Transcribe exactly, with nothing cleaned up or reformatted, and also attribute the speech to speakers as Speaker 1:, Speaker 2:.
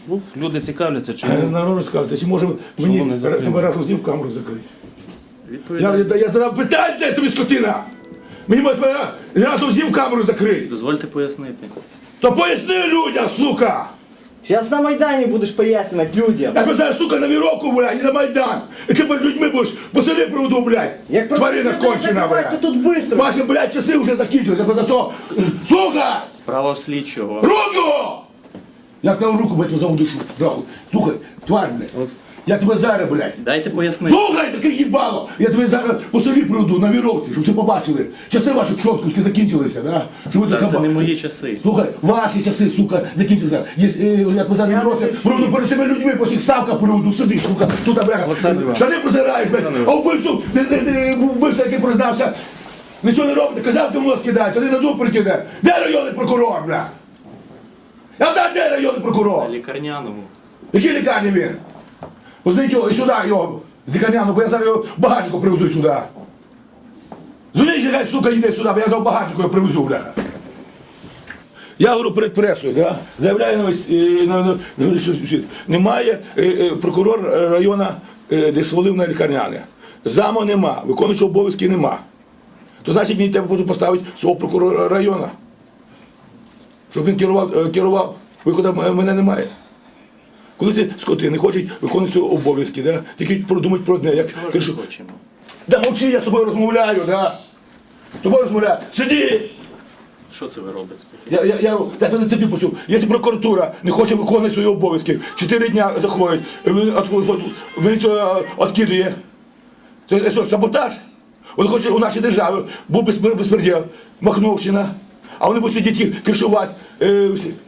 Speaker 1: Ну, люди цікавляться,
Speaker 2: Е,
Speaker 1: чому.
Speaker 2: Народ розказується, чи може мені
Speaker 1: не закрили?
Speaker 2: тебе разом з ним камеру закрити? Я,
Speaker 1: Відповідаю.
Speaker 2: я, я задав питання, де тобі скотина! Мені може тебе разом з ним камеру закрити.
Speaker 1: Дозвольте пояснити.
Speaker 2: То поясни людям, сука!
Speaker 3: Сейчас на Майдане будешь пояснять людям.
Speaker 2: Я тебе зараз, сука, на віровку, блядь, і на Майдан. І ти перед людьми будеш по селі проводу, блядь.
Speaker 3: Як
Speaker 2: Тварина
Speaker 3: просто
Speaker 2: кончена,
Speaker 3: закривати,
Speaker 2: блядь.
Speaker 3: то тут быстро.
Speaker 2: Ваші, блядь, часи вже закінчилися, за то. Сука!
Speaker 1: Справа в слідчого.
Speaker 2: Руку! Я сказав руку, блядь, за душу. Нахуй. Слухай, тварь, блядь. Я тебе зараз, блядь.
Speaker 1: Дайте пояснити.
Speaker 2: Слухай, таке їбало! Я тебе зараз по селі приведу на віровці, щоб ви побачили. Часи ваші пшоткуски закінчилися, да? Щоб ви
Speaker 1: Та
Speaker 2: така
Speaker 1: це не
Speaker 2: ба-
Speaker 1: мої часи.
Speaker 2: Слухай, ваші часи, сука, закінчилися. Є, е, я тебе зараз на віровці приведу перед цими людьми, по всіх ставках приведу, сидиш, сука, тут, бляха.
Speaker 1: Олександр Іванович.
Speaker 2: Штани протираєш, блядь, а вбивцю, не- не- не- вбивця, який признався, нічого не робите, казав, ти мозг кидають, тоді на дуб прикине. Де районний прокурор, бля? Я знаю, де районний прокурор?
Speaker 1: На лікарняному.
Speaker 2: В якій лікарні він? Позвоніть його і сюди його, з лікарняну, бо я зараз його багатько привезу сюди. Дзвоніть, хай, сука, йде сюди, бо я зараз багатько його привезу, бля. Я говорю перед пресою, да? Заявляю на весь, е, на, на, на весь світ. Немає е, е, прокурор району, е, де свалив на лікарняне. Заму нема, виконуючого обов'язки нема. То значить мені треба буде поставити свого прокурора району. Щоб він керував, е, керував. Виходу м- мене немає. Коли ці скоти не хочуть виконувати свої обов'язки, да? Тільки продумати про одне, як
Speaker 1: Чого ж не
Speaker 2: кажу,
Speaker 1: хочемо?
Speaker 2: да мовчи, я з тобою розмовляю, да? З тобою розмовляю. Сиди!
Speaker 1: Що це ви робите таке?
Speaker 2: Я, я, я, я тебе на цепі пустив. Якщо прокуратура не хоче виконувати свої обов'язки, чотири дня заходить, він це відкидує. Це що, саботаж? Вони хочуть у нашій державі, був безпреділ, Махновщина, а вони будуть сидіти кришувати. Е, всі.